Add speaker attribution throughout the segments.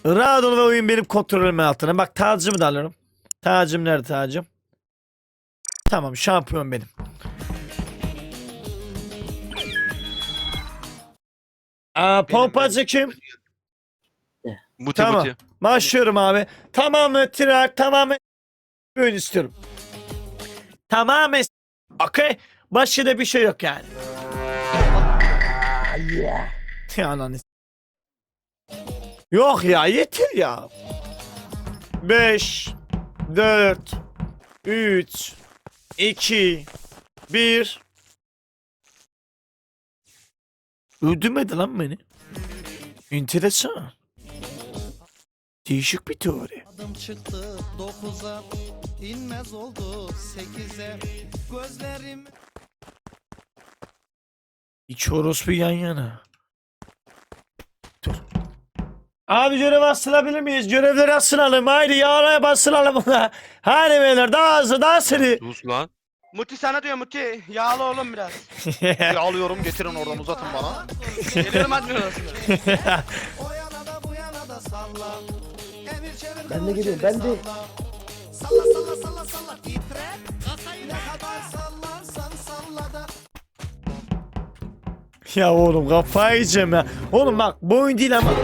Speaker 1: Rahat ol ve oyun benim kontrolümün altına. Bak tacımı da alıyorum. Tacım nerede tacım? Tamam şampiyon benim. Pompacı kim?
Speaker 2: Muti
Speaker 1: Tamam.
Speaker 2: muti.
Speaker 1: Başlıyorum abi. Tamamen trak, tamamen oyun istiyorum. Tamamen okey. Başka da bir şey yok yani. Ya ananı. Yok ya yeter ya. 5 4 3 2 1 Öldürmedi lan beni. Enteresan. Değişik bir teori.
Speaker 3: Adım çıktı 9'a, inmez oldu 8'e. Gözlerim
Speaker 1: İki orospu yan yana. Dur. Abi görev asılabilir miyiz? Görevleri asılalım. Haydi yağlaya basılalım. Hadi beyler daha hızlı daha seri.
Speaker 2: Sus lan.
Speaker 4: Muti sana diyor Muti. Yağlı oğlum biraz.
Speaker 5: Yağlıyorum, getirin oradan, uzatın bana.
Speaker 4: Geliyorum admin odasına.
Speaker 3: o yana da bu yana da salla. Emir çevir.
Speaker 6: Ben de geliyorum, ben de.
Speaker 3: Salla salla salla salla titre. Ne kadar sallarsan salla da.
Speaker 1: Ya oğlum kafayı yiyeceğim ya. Oğlum bak bu oyun değil ama.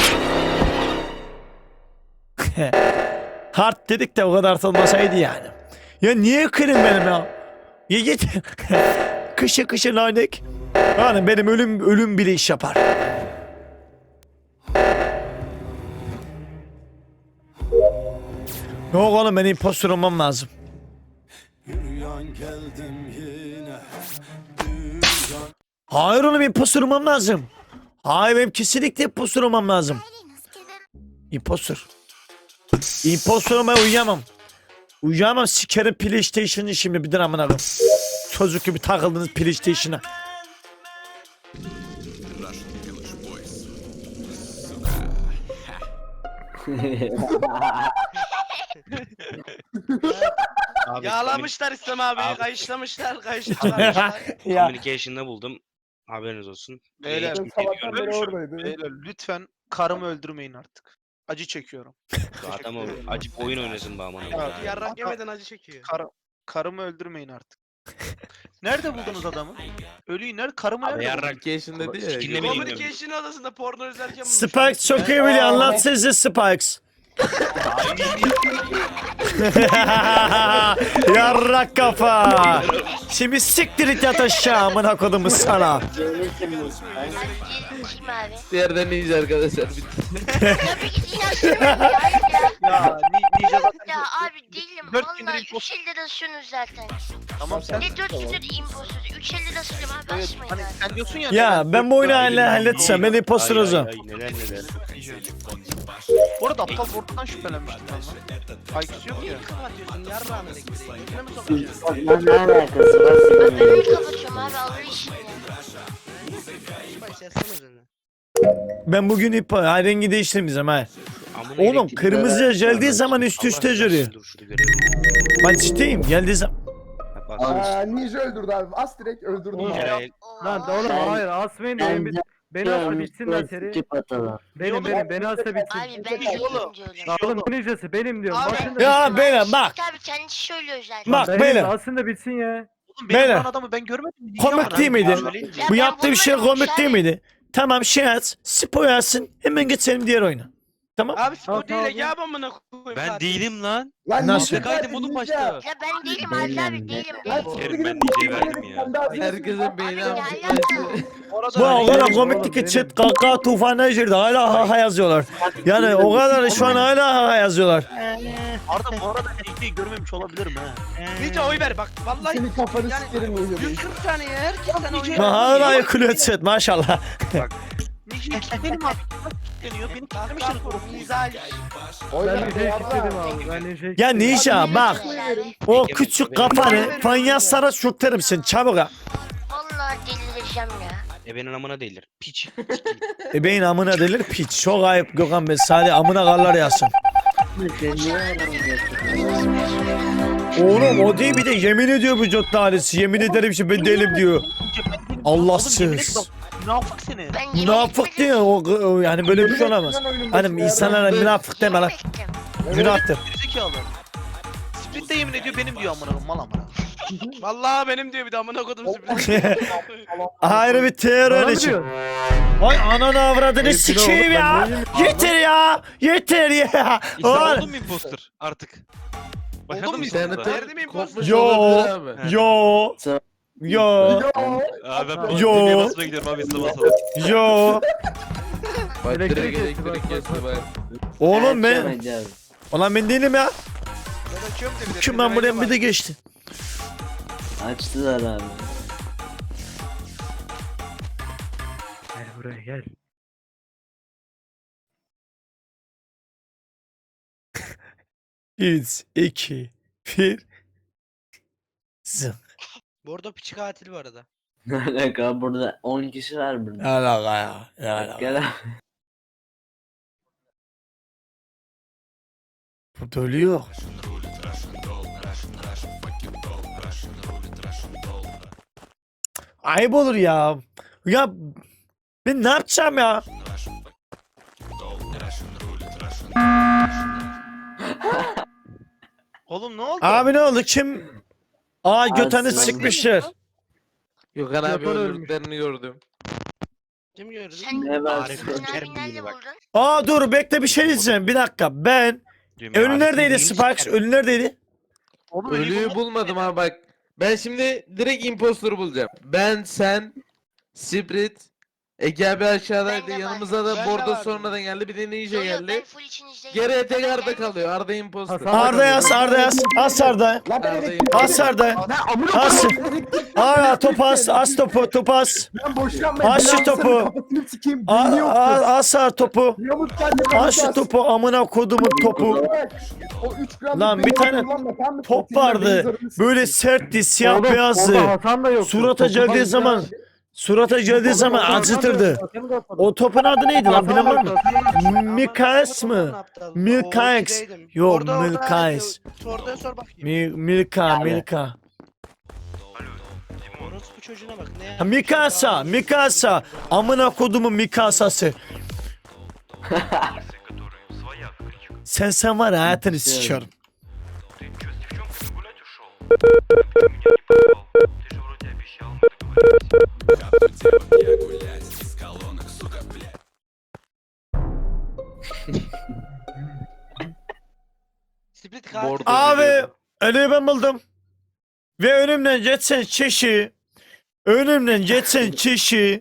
Speaker 1: Hard dedik de o kadar atılmasaydı yani. Ya niye kırın benim ya? Ya git. Kışı kışı lanet. Yani benim ölüm bile iş yapar. Yok oğlum ben impostor olmam lazım. Hayır oğlum impostor olmam lazım. Hayır benim kesinlikle impostor olmam lazım. Impostor. Impostor olmaya uyuyamam. Uyuyamam sikerim PlayStation'ı şimdi bir amına koyayım. Çocuk gibi takıldınız PlayStation'a.
Speaker 4: Yağlamışlar İslam abi.
Speaker 2: Abi.
Speaker 4: Kayışlamışlar. Kayışlamışlar.
Speaker 1: Ya
Speaker 2: Communication'da buldum. Haberiniz olsun.
Speaker 5: Beyler,
Speaker 2: Hiçbir şey
Speaker 6: Sabahtan beri
Speaker 2: görmemişim.
Speaker 6: oradaydı.
Speaker 5: Beyler lütfen karımı öldürmeyin artık. Acı çekiyorum.
Speaker 2: Adam acık oyun oynasın bana.
Speaker 5: Ya,
Speaker 4: Yarrak yemeden acı çekiyor.
Speaker 5: Karımı öldürmeyin artık. Nerede buldunuz adamı? Ölüyü nerede? Karımı
Speaker 2: Abi
Speaker 5: nerede buldunuz?
Speaker 2: yarrak
Speaker 7: Communication'da değil ya.
Speaker 2: Sikinde mi bilmiyorum.
Speaker 4: Communication odasında porno izlerken bulmuş.
Speaker 1: Spikes çok iyi biliyor anlat sizi Spikes. Yarrak kafa. Şimdi siktir it yat aşağı amına kodumu sana.
Speaker 8: Kim abi?
Speaker 7: Diğerden iyice arkadaşlar.
Speaker 8: Tabii ki inansın ya.
Speaker 5: Ya Ninja zaten
Speaker 8: Ya abi değilim.
Speaker 5: Dört gündür
Speaker 8: Valla
Speaker 5: imposter.
Speaker 8: 3 elde basıyorsunuz zaten.
Speaker 5: tamam sen.
Speaker 8: Ne 4 gündür impostor. 3 elde basıyorum abi
Speaker 5: Evet,
Speaker 8: basmayın
Speaker 5: hani
Speaker 8: abi.
Speaker 5: sen diyorsun ya.
Speaker 1: Ya ben bu oyunu halletsem ben impostor olacağım.
Speaker 2: Ay, neler neler.
Speaker 5: Bu arada aptal Bort'tan şüphelenmiştim ben lan. IQ'su yok ya.
Speaker 4: Kapatıyorsun yarrağını elektriği. İçine mi sokacaksın?
Speaker 8: Ben önümü kapatıyorum abi alır işini ya.
Speaker 4: Spice yazsana üzerine.
Speaker 1: Ben bugün rengi değiştirmeyeceğim ha.
Speaker 2: Amına
Speaker 1: Oğlum
Speaker 2: elektrik-
Speaker 1: kırmızıya geldiği zaman üst üste
Speaker 2: Allah
Speaker 1: görüyor.
Speaker 2: kahretsin, dur şunu görelim.
Speaker 1: Ben ciddiyim geldiği zaman.
Speaker 2: Bak, bak.
Speaker 6: Aa, Ninja öldürdü abi. As direkt öldürdü.
Speaker 2: Ay,
Speaker 9: Lan oğlum hayır asmayın da oyun beni asla bitsin lan seri. Beni asla bitsin.
Speaker 8: Abi ben değilim diyorum.
Speaker 9: Lan oğlum ne ninjası benim diyorum.
Speaker 4: Abi-
Speaker 9: Başında
Speaker 1: Ya
Speaker 9: bitsin.
Speaker 1: beyler bak.
Speaker 8: Abi kendisi söylüyor zaten.
Speaker 1: Bak
Speaker 9: Benim
Speaker 1: beyler.
Speaker 9: aslında bitsin ya.
Speaker 5: Oğlum benim
Speaker 1: Beyler.
Speaker 5: olan adamı ben görmedim. Ninja
Speaker 1: Komik
Speaker 5: mı
Speaker 1: değil
Speaker 5: lan?
Speaker 1: miydi?
Speaker 8: Ya
Speaker 1: Bu
Speaker 8: ben
Speaker 1: yaptığı bir şey
Speaker 8: bulmadım
Speaker 1: komik değil
Speaker 8: abi.
Speaker 1: miydi? Tamam şey at. Spo yazsın. Hemen geçelim diğer oyuna. Tamam.
Speaker 4: Abi
Speaker 9: Tamam,
Speaker 4: spor değil
Speaker 9: tamam.
Speaker 4: ya amına koyayım.
Speaker 2: Ben
Speaker 4: zaten.
Speaker 2: değilim lan.
Speaker 6: Lan
Speaker 1: Nasıl?
Speaker 6: Ninja
Speaker 2: Kaydım
Speaker 6: zaten
Speaker 2: oğlum
Speaker 6: Ninja.
Speaker 2: başta.
Speaker 8: Ya ben değilim abi değilim.
Speaker 6: Lan
Speaker 8: değilim.
Speaker 2: Kerim,
Speaker 6: siktir
Speaker 2: ben
Speaker 6: gidin,
Speaker 2: Ninja'yı
Speaker 6: Ninja'yı
Speaker 2: verdim ya.
Speaker 6: sen daha
Speaker 7: Herkesin beyni
Speaker 8: Abi ne
Speaker 7: almış.
Speaker 8: alaka?
Speaker 5: Bu arada
Speaker 1: Bu o kadar
Speaker 9: Oğlum,
Speaker 1: komikti ki
Speaker 9: benim-
Speaker 1: chat kaka tufanına girdi. Hala ha ha yazıyorlar. Yani o kadar şu an hala ha ha yazıyorlar.
Speaker 5: Arda bu arada Ninja'yı görmemiş olabilirim ha.
Speaker 4: Ninja oy ver bak. Vallahi
Speaker 6: Senin kafanı
Speaker 4: Yani-
Speaker 6: sikerim Ninja.
Speaker 4: 140 saniye herkesten oy ver.
Speaker 1: Ha, hala yakılıyor chat maşallah.
Speaker 5: Ninja'yı kilitledim abi. Kilitleniyor. Beni kilitlemişler.
Speaker 4: Güzel.
Speaker 9: Ben ninjayı kilitledim abi. Ben ninjayı
Speaker 1: Ya
Speaker 9: kilitledim.
Speaker 1: Ninja bak.
Speaker 8: Abi,
Speaker 1: O küçük kafanı fanyaslara sürterim sen çabuk ha.
Speaker 8: vallahi delireceğim ya.
Speaker 2: Ebenin amına değildir. Piç.
Speaker 1: Beyin amına delir piç. Çok ayıp Gökhan Bey. Sadece amına karlar yazsın. Oğlum o değil bir de yemin ediyor bu cot tanesi. Yemin ederim ki ben değilim diyor. Allahsız.
Speaker 5: Münafık seni.
Speaker 8: Ben yemin
Speaker 1: Münafık
Speaker 8: etmedim.
Speaker 1: diyor o yani böyle bir şey olamaz. Hani insanlara münafık deme lan.
Speaker 8: Yemin ettim.
Speaker 1: Günahtır.
Speaker 5: Gerizekalı. Split de yemin ediyor benim diyor amına koyayım, mal amına.
Speaker 4: Vallahi benim diyor bir de amına kodum sürpriz.
Speaker 1: Ayrı bir terör
Speaker 9: Bana mı
Speaker 1: için.
Speaker 9: diyorsun?
Speaker 1: Ay ananı avradını
Speaker 9: Hayır,
Speaker 1: sikeyim
Speaker 9: oğlum,
Speaker 1: ya.
Speaker 9: ben neyim?
Speaker 1: Yeter ya. Yeter ya. Ulan.
Speaker 10: Oldun mu imposter artık? Başladın
Speaker 4: Oldun
Speaker 10: mı
Speaker 4: mu
Speaker 10: imposter'a?
Speaker 4: imposter? Verdim imposter.
Speaker 7: Kopmuş
Speaker 1: Yo.
Speaker 7: olabilir abi.
Speaker 1: Yo. Yo.
Speaker 10: Abi ben
Speaker 1: Yo.
Speaker 10: demeye basmaya gidiyorum abi hızlı basalım.
Speaker 1: Yo.
Speaker 7: Bak
Speaker 9: Elektrik
Speaker 7: direkt
Speaker 9: kesti, bak,
Speaker 7: elektrik kesti bak.
Speaker 1: Oğlum ben. Ulan ben değilim ya.
Speaker 4: Ben açıyorum dedi.
Speaker 1: Kim ben buraya bir de geçti.
Speaker 6: Açtılar abi.
Speaker 9: Gel buraya gel.
Speaker 1: Üç, iki, bir. Zım.
Speaker 4: Bu arada piçi katil bu arada.
Speaker 6: Ne alaka burada 10 kişi var burada.
Speaker 1: Ne alaka ya? Ne alaka?
Speaker 6: Gel abi.
Speaker 1: Bu dölüyor. Ayıp olur ya. Ya ben ne yapacağım ya?
Speaker 5: Oğlum ne oldu?
Speaker 1: Abi ne oldu? Kim? Aa götünü
Speaker 6: Abi,
Speaker 1: sıkmışlar.
Speaker 7: Gökhan abi
Speaker 9: Yapar ölmüş.
Speaker 7: öldürdüklerini gördüm.
Speaker 4: Kim gördü?
Speaker 8: Sen
Speaker 6: Ne var?
Speaker 2: Arif
Speaker 8: Sen
Speaker 2: Öker
Speaker 8: abi nerede
Speaker 2: büyüğünü bak.
Speaker 8: buldun?
Speaker 1: Aa dur bekle bir şey diyeceğim. Bir dakika. Ben ölü neredeydi Sparks? Ölü neredeydi?
Speaker 5: Oğlum
Speaker 7: Ölüyü bulmadım abi bak. Ben şimdi direkt imposter'ı bulacağım. Ben, sen, Sprit, Ege abi aşağıdaydı.
Speaker 8: Ben de
Speaker 7: Yanımıza da
Speaker 4: vardım. Ben de
Speaker 7: Bordo
Speaker 4: vardım.
Speaker 7: sonradan geldi. Bir de Ninja
Speaker 8: Yo, yo, ben
Speaker 7: geldi.
Speaker 8: full içinizdeyim.
Speaker 7: Geriye tek
Speaker 8: Ben
Speaker 7: Arda
Speaker 8: gelmedim.
Speaker 7: kalıyor. Arda imposter.
Speaker 9: Hasan-
Speaker 1: Arda yaz, Arda yaz. As Arda.
Speaker 7: Arda imposter.
Speaker 1: As Arda.
Speaker 6: Ne amına
Speaker 1: As.
Speaker 6: koyayım.
Speaker 1: Aa topu as. As topu. Topu as.
Speaker 6: Ben boş yapmayın.
Speaker 1: Aç şu topu.
Speaker 6: Kafasını sikeyim. Beyni yoktu.
Speaker 1: As topu.
Speaker 6: Yamuk geldi.
Speaker 1: As şu topu. Amına kodumun topu.
Speaker 6: O 3 gram
Speaker 1: Lan bir tane top vardı. Böyle sertti. Siyah
Speaker 9: Oğlum,
Speaker 1: beyazdı.
Speaker 9: orada Hasan da yoktu.
Speaker 1: Surata
Speaker 9: Topu
Speaker 1: geldiği
Speaker 9: bak-
Speaker 1: zaman. Surata geldiği zaman
Speaker 9: Hasan da
Speaker 1: acıtırdı.
Speaker 9: yoktu, Hasan da yoktu.
Speaker 1: O topun adı neydi lan
Speaker 9: Hasan da
Speaker 1: bilemem
Speaker 9: yoktu,
Speaker 1: mi?
Speaker 9: Hasan da yoktu.
Speaker 1: Mikaes mı? Milkaex. Yok, Milkaex.
Speaker 4: Orada sor bakayım.
Speaker 1: Milka.
Speaker 4: Orospu çocuğuna bak ne
Speaker 1: Ha,
Speaker 4: ya?
Speaker 1: Mikasa. Amına kodumun Mikasası. Sen var ya hayatını sikiyorum.
Speaker 4: Split katil.
Speaker 7: Bordo.
Speaker 1: Abi ölüyü ben buldum. Ve önümden geçsen kişi. Önümden geçsen kişi.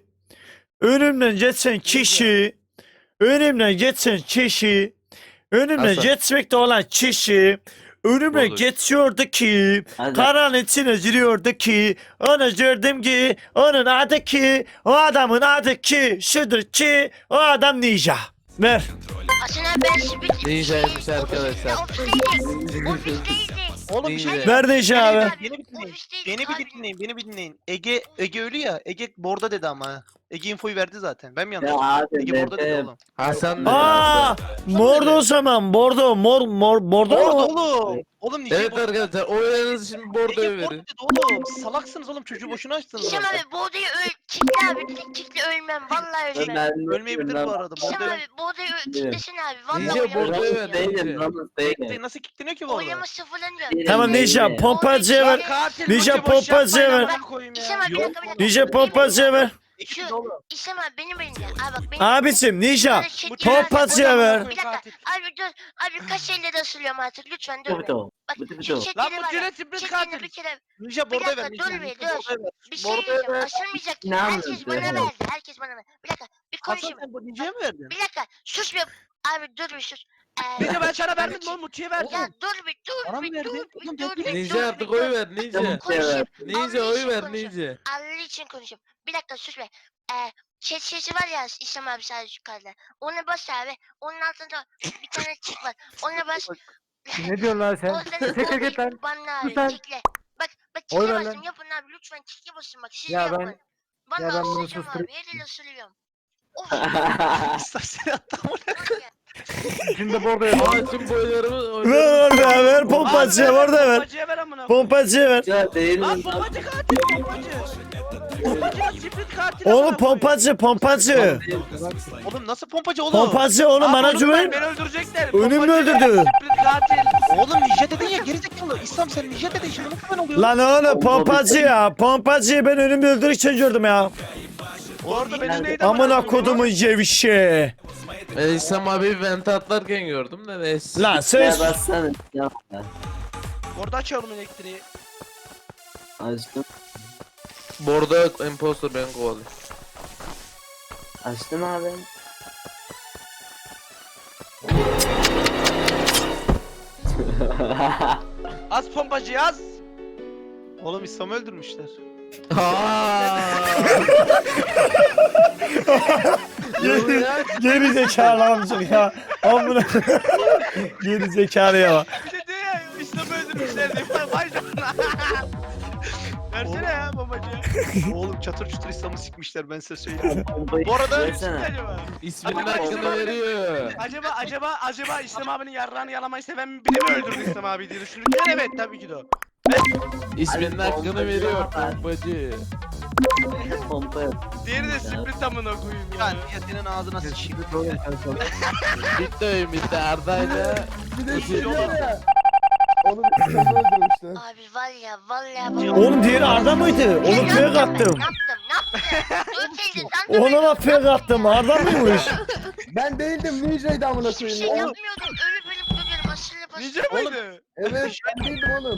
Speaker 1: Önümden geçen kişi. Önümden geçen kişi. Önümden
Speaker 7: Hasan.
Speaker 1: geçmekte olan kişi. Önümden
Speaker 10: Bordo.
Speaker 1: geçiyordu ki. Karanın içine giriyordu ki. Onu gördüm ki. Onun adı ki. O adamın adı ki. Şudur ki. O adam ninja. Ver.
Speaker 8: Hasan abi ben split.
Speaker 7: Ninjaymış arkadaşlar.
Speaker 8: Ofisteydik.
Speaker 5: Oğlum bir şey
Speaker 8: Ninja.
Speaker 1: Ver ninja abi.
Speaker 5: Beni bir dinleyin.
Speaker 8: Ofisteydik
Speaker 5: Beni bir
Speaker 8: abi.
Speaker 5: dinleyin. Beni bir dinleyin. Ege ölü ya. Ege Bordo dedi ama. Ege infoyu verdi zaten. Ben mi yanlış?
Speaker 6: Ya abi
Speaker 5: Ege Bordo dedi oğlum.
Speaker 7: Hasan da
Speaker 1: Aa, mordo o zaman. Bordo. Bordo
Speaker 5: Bordo
Speaker 1: mu?
Speaker 5: oğlum. Oğlum niye
Speaker 7: Evet arkadaşlar oylarınızı şimdi Bordo'ya
Speaker 5: Ege Bordo
Speaker 7: verin.
Speaker 5: dedi oğlum. Salaksınız oğlum, çocuğu boşuna açtınız.
Speaker 8: İsem
Speaker 5: zaten.
Speaker 8: abi bu odayı kitle abi. Direkt kitle ölmem. Vallahi ölmem.
Speaker 5: Ölmeyebilir bu arada.
Speaker 8: İsem
Speaker 5: Bordo
Speaker 8: abi bu odayı kitlesin abi. Vallahi
Speaker 7: Ninja
Speaker 8: oynamam.
Speaker 7: Bordo'ya ver.
Speaker 5: Bekleyin, nasıl kilitleniyor ki bu arada?
Speaker 8: Oynama sıfırlanıyor.
Speaker 1: Tamam ninja pompacıya ver.
Speaker 4: Katil
Speaker 1: Ninja
Speaker 4: boşu boş
Speaker 1: pompacı
Speaker 4: yapmayın,
Speaker 1: ver.
Speaker 4: amına koyayım ya.
Speaker 8: İsem abi bir dakika bir dakika.
Speaker 1: Ninja pompacıya ver.
Speaker 5: İkisi de oğlum.
Speaker 8: İsem abi benim elimde. Abi bak benim.
Speaker 1: Abicim ninja.
Speaker 8: Böyle şekil
Speaker 1: Pompacıya
Speaker 8: var.
Speaker 1: ver.
Speaker 8: Bir dakika. Abi dur. Abi kaç elle de ısırıyorum artık. Lütfen dur. be. Bak şu
Speaker 4: Lan
Speaker 8: şekli
Speaker 4: bu
Speaker 8: var ya.
Speaker 4: cüret split
Speaker 8: Şeklini
Speaker 4: katil.
Speaker 8: bir kere
Speaker 5: Ninja
Speaker 8: Bir
Speaker 5: Bordo'ya
Speaker 8: dakika,
Speaker 5: ver.
Speaker 8: dur
Speaker 5: Ninja
Speaker 8: bir,
Speaker 5: Bordo'ya
Speaker 8: dur.
Speaker 5: ver.
Speaker 8: bir şey
Speaker 5: Bordo'ya
Speaker 8: diyeceğim.
Speaker 5: ver.
Speaker 8: Asılmayacak.
Speaker 6: Ne
Speaker 8: Herkes
Speaker 6: anlatıyor?
Speaker 8: bana
Speaker 6: Evet.
Speaker 8: verdi. Herkes bana verdi. Bir dakika. Bir
Speaker 5: Hasan
Speaker 8: konuşayım.
Speaker 5: sen bu Ninja'ya mı verdin?
Speaker 8: Bir dakika. Sus bir. Abi dur bir sus.
Speaker 4: Ninja ben sana vermedim oğlum Mutçu'ya verdim.
Speaker 8: Ya dur bir
Speaker 5: Bana
Speaker 8: dur
Speaker 5: mı
Speaker 8: bir
Speaker 5: verdin?
Speaker 8: dur bir
Speaker 5: Oğlum
Speaker 8: dur bir dur.
Speaker 7: Ninja artık
Speaker 8: bir
Speaker 7: oy
Speaker 8: dur.
Speaker 7: ver Ninja.
Speaker 8: Konuşayım.
Speaker 7: Ninja
Speaker 8: Allah
Speaker 7: oy
Speaker 8: için
Speaker 7: ver
Speaker 8: konuşayım.
Speaker 7: Ninja.
Speaker 8: Allah için konuşayım. Bir dakika sus be. Chat sesi var ya İslam abi sadece yukarıda. Ona bas abi. Onun altında bir tane çift var. Ona bas.
Speaker 9: Ne diyorsun lan sen?
Speaker 8: Oradan
Speaker 9: Çekil git lan.
Speaker 8: banla
Speaker 9: Sus
Speaker 8: abi.
Speaker 9: lan.
Speaker 8: Çekle. Bak
Speaker 9: Oy
Speaker 8: çekle
Speaker 9: ver
Speaker 8: basın
Speaker 9: lan.
Speaker 8: yapın abi lütfen çekle basın bak siz
Speaker 9: Ya
Speaker 8: yapın.
Speaker 9: ben-
Speaker 8: Vallahi
Speaker 9: ben bunu
Speaker 8: ısıracağım
Speaker 9: susturayım.
Speaker 8: abi. Her el ısırıyorum. Of.
Speaker 5: Seni attım.
Speaker 9: Şimdi Bordo'ya ver.
Speaker 7: Aa tüm boylarımı
Speaker 1: Ver orada ver pompacıya orada ver.
Speaker 4: Pompacıya ver amına.
Speaker 1: Pompacıya ver.
Speaker 6: Ya değil
Speaker 4: Lan
Speaker 6: mi?
Speaker 4: pompacı katil pompacı. Pompacının split katil.
Speaker 1: Oğlum
Speaker 4: amına koyayım.
Speaker 1: pompacı.
Speaker 5: Oğlum nasıl pompacı oğlum?
Speaker 1: Pompacı oğlum
Speaker 4: Abi
Speaker 1: bana
Speaker 4: oğlum
Speaker 1: güven.
Speaker 4: Beni öldürecekler.
Speaker 1: Önümü
Speaker 4: Pompacı
Speaker 1: öldürdü.
Speaker 4: Split katil.
Speaker 5: Oğlum ninja dedin ya gerizekalı. İslam sen ninja dedin şimdi nasıl ben oluyorum?
Speaker 1: Lan oğlum pompacı ya. Pompacıyı ben önümde öldürürken gördüm ya.
Speaker 4: Orada beni neydi
Speaker 1: Amına kodumun cevişi.
Speaker 7: İslam abi vente atlarken gördüm de neyse.
Speaker 1: Lan
Speaker 6: Ya
Speaker 1: sen
Speaker 6: bassana. Ya.
Speaker 4: Orada açıyorum elektriği.
Speaker 6: Açtım.
Speaker 7: Bu arada impostor beni kovalıyor.
Speaker 6: Açtım abi.
Speaker 4: Az pompacı yaz.
Speaker 5: Oğlum İslam'ı öldürmüşler.
Speaker 1: geri zekalı amcık ya. Amına. Geri zekalı ya.
Speaker 4: Bir de diyor ya İslam'ı öldürmüşler diye. Vay canına. Versene ya pompacıya.
Speaker 5: Oğlum çatır çutur İslam'ı sikmişler ben size söyleyeyim. Bu arada
Speaker 6: Versene.
Speaker 4: Acaba?
Speaker 7: İsminin
Speaker 4: Acaba
Speaker 7: hakkını
Speaker 4: İslam abi-
Speaker 7: veriyor.
Speaker 4: Acaba İslam abinin yarrağını yalamayı seven biri mi öldürdü İslam abi diye düşünürken evet tabii ki de o.
Speaker 7: İsminin hakkını veriyor pompacı.
Speaker 6: Pompa yap.
Speaker 4: Diğeri de split amına koyayım ya.
Speaker 5: yani ya senin ağzına sıçayım.
Speaker 7: Bitti oyun bitti Arda'yla.
Speaker 6: Bir de şey var ya. Onu bir tane öldürmüşler.
Speaker 8: Abi var ya vallahi.
Speaker 1: Oğlum diğeri Arda mıydı? Oğlum fake attım.
Speaker 8: Ne yaptım? Dur teyze sen de
Speaker 1: Ona da fake attım. Arda mıymış?
Speaker 6: Ben değildim Ninja'ydı amına
Speaker 8: hiçbir şey
Speaker 6: koyayım. Oğlum,
Speaker 8: yapmıyordum. Ölüp ölüp duruyorum aşırı
Speaker 4: Nice
Speaker 8: basıyorum.
Speaker 4: mıydı?
Speaker 6: evet ben değildim oğlum.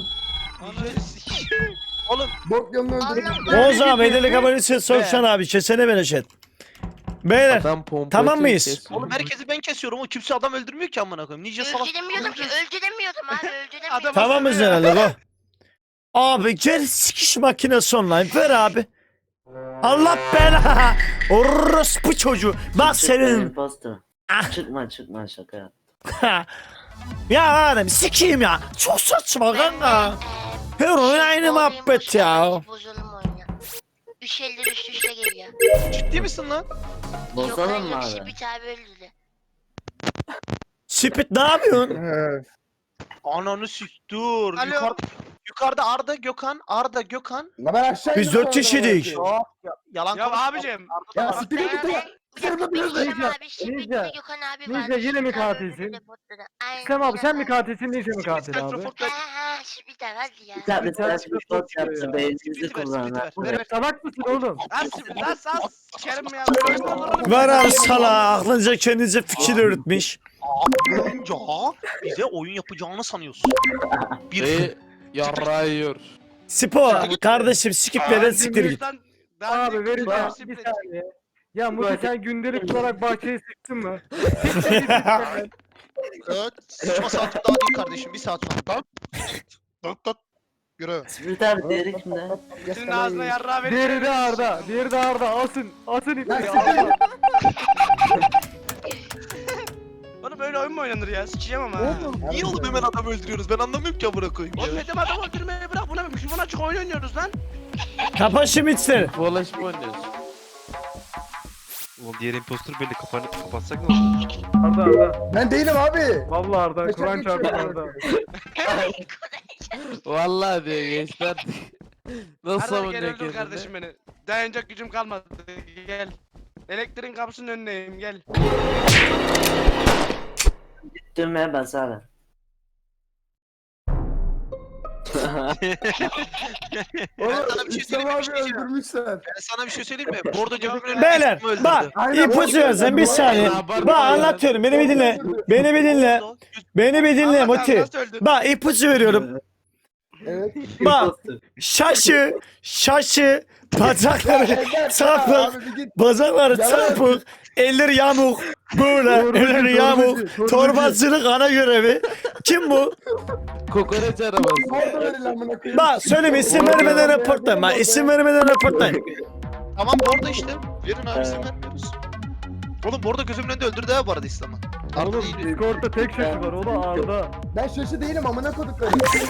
Speaker 5: Oğlum
Speaker 6: Bok yolunu öldürdüm.
Speaker 1: Oğuz abi edelik abonesin Sokşan abi. Kesene bereket. Beyler
Speaker 7: Adam pompacı
Speaker 1: Tamam mıyız?
Speaker 7: kesiyor.
Speaker 5: oğlum herkesi ben kesiyorum. O kimse adam öldürmüyor ki amına koyayım. Ninja salak.
Speaker 8: Öldüremiyordum ki öldüremiyordum abi öldüremiyordum.
Speaker 4: Adam-
Speaker 1: tamam mıyız herhalde bu? Abi gel sikiş makinesi online ver abi. Allah bela. Orospu çocuğu. Bak senin.
Speaker 6: Imposter.
Speaker 1: Ah.
Speaker 6: Çıkma şaka yap.
Speaker 1: Ya adam sikeyim ya. Çok saçma kanka. Her oyun aynı muhabbet ya.
Speaker 8: Bozulum oyunu. 350 üst üste geliyor.
Speaker 5: Ciddi misin lan?
Speaker 6: Bozalım mı
Speaker 8: yok
Speaker 6: abi?
Speaker 8: Şibit abi öldürdü.
Speaker 1: Spit ne yapıyorsun?
Speaker 5: Ananı sik dur.
Speaker 4: Alo.
Speaker 5: Yukarıda Arda Gökhan. Arda Gökhan.
Speaker 6: La ben aşağı
Speaker 1: Biz
Speaker 6: indim
Speaker 1: 4
Speaker 6: sonra
Speaker 1: kişiydik.
Speaker 6: ya.
Speaker 5: Yalan
Speaker 4: Ya
Speaker 5: konuşma.
Speaker 4: abicim.
Speaker 6: Ya
Speaker 8: Ben
Speaker 6: siktir git
Speaker 8: abi
Speaker 6: ya.
Speaker 8: bir dakika bir İslam
Speaker 9: Ninja,
Speaker 8: abi Şibit
Speaker 9: Ninja.
Speaker 8: ve Gökhan abi
Speaker 9: Ninja,
Speaker 8: var.
Speaker 9: yine mi
Speaker 8: Şibit abi
Speaker 9: katilsin?
Speaker 8: öldürdü botları. Aynen,
Speaker 9: İslam abi sen mi
Speaker 8: aynen.
Speaker 9: katilsin Ninja mi katil abi?
Speaker 8: Ha Şibit abi hadi ya.
Speaker 6: Bir tane
Speaker 9: Bir tane
Speaker 6: bir bot yaptı beynimizi
Speaker 5: Split ver, split
Speaker 6: kullanlar.
Speaker 5: ver. Ver, ver.
Speaker 9: Salak mısın oğlum?
Speaker 4: Lan sikerim ya.
Speaker 1: Var abi sala aklınca kendinize fikir öğretmiş.
Speaker 5: Aklınca bize oyun yapacağını sanıyorsun. Bir
Speaker 7: Ve yarrağı yiyor.
Speaker 1: Spor kardeşim skiplerden siktir git.
Speaker 9: Abi verin ya bir saniye. Ya Muti sen gündelik olarak bahçeyi sıktın mı?
Speaker 5: Evet. Sıçma saatim daha değil kardeşim. Bir saat sonra. Tat. Yürü.
Speaker 6: Split abi diğeri kimde?
Speaker 4: Senin ağzına yarrağı verin.
Speaker 9: Diğeri de Arda. Diğeri de Arda. Asın ipi.
Speaker 4: Oğlum böyle oyun mu oynanır ya? Sikeceğim ama.
Speaker 5: Niye oğlum hemen adam öldürüyoruz? Ben anlamıyorum ki amına koyayım
Speaker 4: Oğlum
Speaker 5: ya.
Speaker 4: dedim adam öldürmeyi bırak buna mikrofon açık oyun oynuyoruz lan.
Speaker 1: Kapat şimdi içleri.
Speaker 7: Dolaşıp oynuyoruz.
Speaker 10: Oğlum diğer impostor belli kapatsak ne olur?
Speaker 9: Arda.
Speaker 6: Ben değilim abi.
Speaker 9: Vallahi Arda. Kur'an çarptı Arda.
Speaker 7: Vallahi diyor gençler. Nasıl
Speaker 4: Arada gel
Speaker 7: savunacak
Speaker 4: öldür
Speaker 7: kendini?
Speaker 4: kardeşim beni. Dayanacak gücüm kalmadı. Gel. Elektriğin kapısının önündeyim gel.
Speaker 6: Düğmeye bas abi.
Speaker 5: Sana bir şey söyleyeyim mi? Bir şey diyeceğim.
Speaker 6: öldürmüşler.
Speaker 5: Ben sana bir şey söyleyeyim mi? Bordo gözümün önünde
Speaker 1: Beyler
Speaker 5: İslam'ı öldürdü.
Speaker 1: bak ipucu versen bir saniye. Bak anlatıyorum beni bir dinle. Beni bir dinle. Beni bir dinle
Speaker 4: Allah
Speaker 1: Muti.
Speaker 4: nasıl öldü?
Speaker 1: Bak ipucu veriyorum.
Speaker 6: Evet.
Speaker 1: Bak şaşı bacakları çarpık bacakları çarpık elleri yamuk böyle elleri yamuk torbacılık ana görevi. Kim bu?
Speaker 7: Kokoreç arabası.
Speaker 6: Orada verin amına koyayım.
Speaker 1: Bak söyleme isim vermeden raportlayın. Bak isim vermeden raportlayın.
Speaker 5: Tamam Bordo işte. Verin abi isim vermiyoruz. Oğlum Bordo gözümün önünde öldürdü ha bu arada İslam'ı. Arda
Speaker 9: Oğlum
Speaker 5: değil.
Speaker 9: Discord'da tek şaşı var. O da Arda.
Speaker 6: Ben şaşı değilim amına kodukları.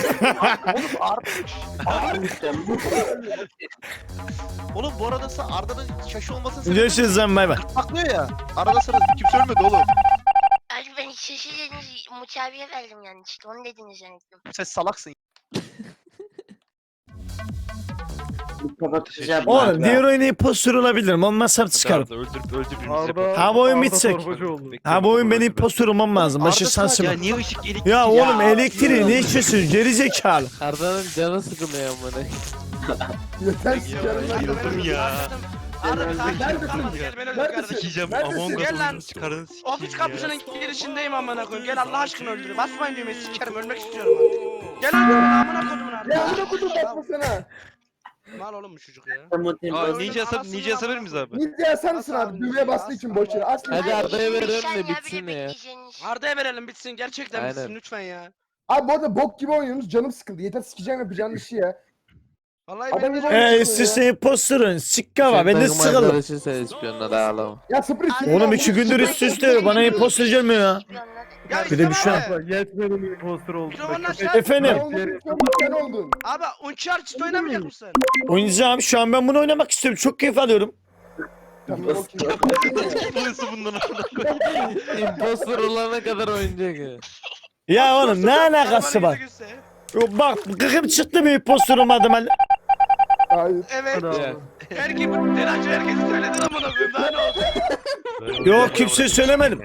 Speaker 5: Oğlum bu arada Arda'nın şaşı olmasını sebebi
Speaker 1: Görüşürüz lan bay bay.
Speaker 5: paklıyor ya. Arada sırası kimse ölmedi oğlum.
Speaker 8: Abi ben şaşı dediniz Muti abiye verdim yani işte onu dediniz zannettim.
Speaker 5: Sen salaksın.
Speaker 1: Oğlum diğer oyunu impostor olabilirim. Olmazsam
Speaker 10: Hadi
Speaker 1: çıkarım.
Speaker 10: Arda öldür birini yapalım.
Speaker 9: Arda,
Speaker 1: Ha, bu oyun
Speaker 9: Arda
Speaker 1: bitecek.
Speaker 9: torbacı oldu.
Speaker 1: Ha bu oyun benim impostor olmam lazım. Başı
Speaker 5: Arda
Speaker 1: sensin.
Speaker 10: Ya niye ışık elektrik
Speaker 1: Ya oğlum elektriği ne içiyorsun? Geri zekalı.
Speaker 7: Arda'nın canı sıkılıyor amına.
Speaker 6: Yeter sikerim lan.
Speaker 10: Yıldım ya.
Speaker 4: Arda bir
Speaker 6: Neredesin?
Speaker 4: tane kalmadı gel beni öldür
Speaker 6: Neredesin?
Speaker 4: kardeşim.
Speaker 10: Sikeceğim
Speaker 6: Neredesin?
Speaker 10: Among
Speaker 4: Gel lan.
Speaker 10: Us'un çıkarını sikeyim
Speaker 4: Ofis
Speaker 10: ya.
Speaker 4: kapısının girişindeyim amına koyayım. Gel Allah aşkına öldür. Basmayın düğmeye sikerim ölmek istiyorum artık. Gel öldür beni amına kodumun
Speaker 6: Ya
Speaker 4: artık.
Speaker 6: amına kodum bakmasana.
Speaker 4: Mal oğlum bu çocuk ya.
Speaker 10: Aa ninja hesap miyiz abi?
Speaker 6: Nidya sen misin abi? Düğmeye bastığı için boş yere. Asla.
Speaker 7: Hadi Arda'ya
Speaker 8: Bir
Speaker 7: verelim
Speaker 8: saniye
Speaker 7: de
Speaker 8: abi,
Speaker 7: bitsin
Speaker 8: bir
Speaker 7: ya.
Speaker 8: bekleyeceğiniz.
Speaker 4: Arda'ya verelim bitsin gerçekten
Speaker 7: Aynen.
Speaker 4: bitsin lütfen ya.
Speaker 6: Abi bu arada bok gibi oynuyorsunuz. Canım sıkıldı. Yeter sikeceğim yapacağın işi ya.
Speaker 4: Vallahi
Speaker 6: Adam
Speaker 4: benim de
Speaker 6: gibi
Speaker 4: canım
Speaker 6: oynuyor.
Speaker 1: Siz impostorun. Sikka var. Ben de
Speaker 7: Takım
Speaker 1: sıkıldım.
Speaker 7: arkadaşın sen ispiyonla da ağlama.
Speaker 6: Ya sıfır iki.
Speaker 1: Oğlum 2 gündür üst üste bana impostor gelmiyor ya.
Speaker 4: Ya
Speaker 1: Bir de bir
Speaker 4: İslam
Speaker 1: şey
Speaker 4: abi.
Speaker 9: Yetmedim impostor oldu.
Speaker 4: Mikrofonunu aç
Speaker 9: Köpek-
Speaker 4: lan.
Speaker 1: Efendim.
Speaker 6: Sen oldun.
Speaker 4: Abi Uncharted oynamayacak mısın?
Speaker 1: Oynayacağım. Şu an ben bunu oynamak istiyorum. Çok keyif alıyorum.
Speaker 6: Tamam okey.
Speaker 10: Nasıl bundan amına
Speaker 7: Impostor olana kadar oynayacak ya.
Speaker 1: Ya oğlum ne alakası var? Bak gıkım çıktı bir impostor olmadım.
Speaker 6: Hayır.
Speaker 4: Evet.
Speaker 9: Hadi abi.
Speaker 7: Ya.
Speaker 4: Herkes Tenancı herkes söyledi lan buna koyayım daha ne oldu?
Speaker 1: Yok kimse söylemedim.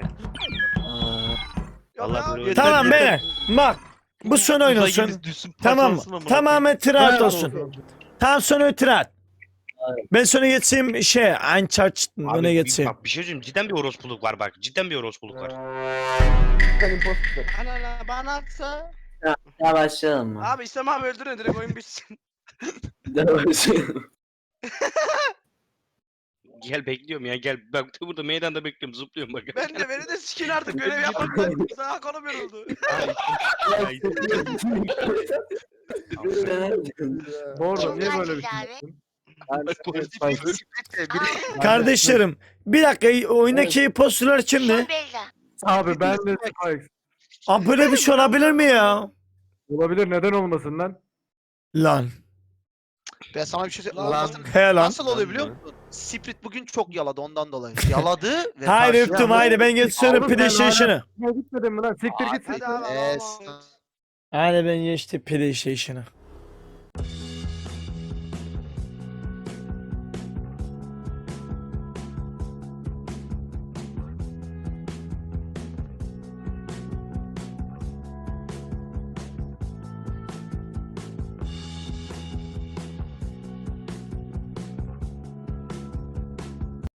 Speaker 4: Yok
Speaker 10: Allah
Speaker 4: ya.
Speaker 10: böyle
Speaker 1: Tamam be. Bak. Bu son oyun olsun. Tamam mı? Tamamen tiraat olsun. Tamam son oyun tiraat. Ben sonra geçeyim Uncharted öne geçeyim.
Speaker 2: Bak bir şey söyleyeyim cidden bir orospuluk var bak. Cidden bir orospuluk var.
Speaker 6: Sen imposter.
Speaker 4: Anana bana atsa.
Speaker 11: Ya başlayalım mı?
Speaker 4: Abi İslam abi öldürün direkt oyun bitsin.
Speaker 11: Ya başlayalım.
Speaker 2: Gel bekliyorum ya gel. Bak burada meydanda bekliyorum zıplıyorum bak.
Speaker 4: Beni de sikin artık görev yapmaktan. Sana kolum yoruldu.
Speaker 9: Bu arada niye
Speaker 8: Kim
Speaker 9: böyle bir
Speaker 8: katil
Speaker 9: şey
Speaker 8: abi?
Speaker 9: yaptın?
Speaker 1: Kardeşlerim bir dakika oyundaki impostorlar kimdi?
Speaker 8: Kim Beyza?
Speaker 9: Abi ben de Spikes.
Speaker 1: Abi böyle bir şey olabilir mi ya?
Speaker 9: Olabilir neden olmasın lan?
Speaker 1: Lan.
Speaker 5: Ben sana bir şey söyleyeyim.
Speaker 7: Lan.
Speaker 1: He lan.
Speaker 5: Nasıl oluyor biliyor musun? Sprit bugün çok yaladı ondan dolayı. Yaladı ve
Speaker 1: Haydi
Speaker 5: karşıya-
Speaker 1: öptüm haydi ben geçiyorum
Speaker 9: Abi ben
Speaker 1: PlayStation'ı.
Speaker 9: Ne gitmedin mi lan? Siktir git.
Speaker 4: Hadi abi.
Speaker 5: Eee,
Speaker 4: Allah'a emanet.
Speaker 1: Haydi ben geçtim PlayStation'ı.